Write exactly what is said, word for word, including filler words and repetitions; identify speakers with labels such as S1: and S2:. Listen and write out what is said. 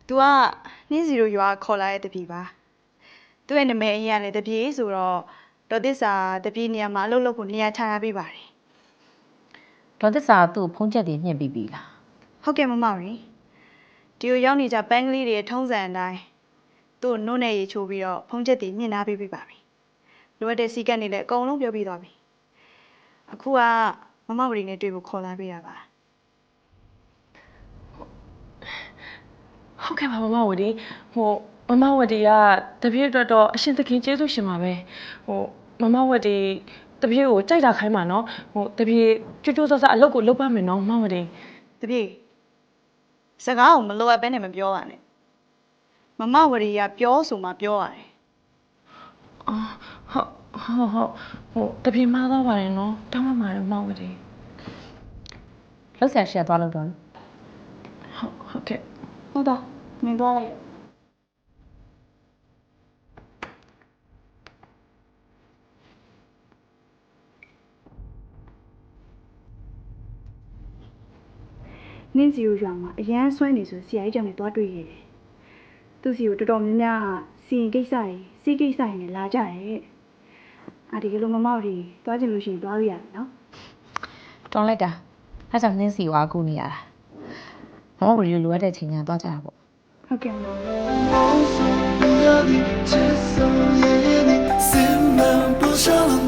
S1: तू ကနှင်းစီတို့ရွာခေါ်လာတဲ့တပီပါသူ့ရဲ့နာမည်အရင်ကလည်းတပီဆိုတော့ဒေါ်သစ္စာတပီနေရာမှာအလုပ်လုပ်ဖို့နေရာချထားပေးပါတယ်
S2: ဒေါ်သစ္စာသူ့ဖုန်းချက်တွေညှင့်ပြီးပြီလား
S1: ဟုတ်ကဲ့မမရီဒီကိုရောက်နေကြပန်းကလေးတွေထုံးစံအတိုင်းသူ့နှုတ်နဲ့ရေချိုးပြီးတော့ဖုန်းချက်တွေညှင့်ထားပေးပြီပါပြီလိုအပ်တဲ့စီကတ်နေလည်းအကုန်လုံးပြောပြသွားပြီအခုကမမဝရီနဲ့တွေ့ဖို့ခေါ်လာပေးတာပါ
S3: ဟုတ်ကဲ့ပါမမဝတီဟိုမမဝတီကတပည့်အတွက်တော့အရှင်သခင်ကျေးဇူးရှင်ပါပဲဟိုမမဝတီတပည့်ကိုကြိုက်တာခိုင်းပါနော်ဟိုတပည့်ကြွကြွဆဆအလုပ်ကိုလုပ်ပါမယ်နော်မမဝတီ
S1: တပည့်စကားကိုမလိုအပ်ဘဲနဲ့မပြောပါနဲ့မမဝရီကပြောဆိုမှပြောရတယ်
S3: အော်ဟုတ်ဟုတ်ဟုတ်ဟိုတပည့်မှားသွားပါတယ်နော်တောင်းပန်ပါတယ်မမဝတီ
S2: လှုပ်ဆန်ရှက်သွားလို့တော့
S3: ဟုတ်ဟုတ်ကဲ့
S1: ဟုတ်တော့နင်သွားလိုက်နင်းစီကိုရွာမှာအရန်ဆွဲနေဆိုဆရာကြီးကြောင့်လည်းသွားတွေ့ရတယ်။သူ့စီကိုတော်တော်များများစီရင်ကိစ္စတွေစီးကိစ္စတွေနဲ့လာကြတယ်။အာဒီကလေးမမောက်တွေသွားချင်လို့ရှိရင်သွားလို့ရတယ်နော်
S2: ။တောင်းလိုက်တာ။အဲ့ကြောင့်နှင်းစီကိုအားကိုးနေရတာ။မမဝရီလိုအပ်တဲ့ချိန်ညာသွားကြတာပေါ့
S1: ။ဟုတ်ကဲ့မ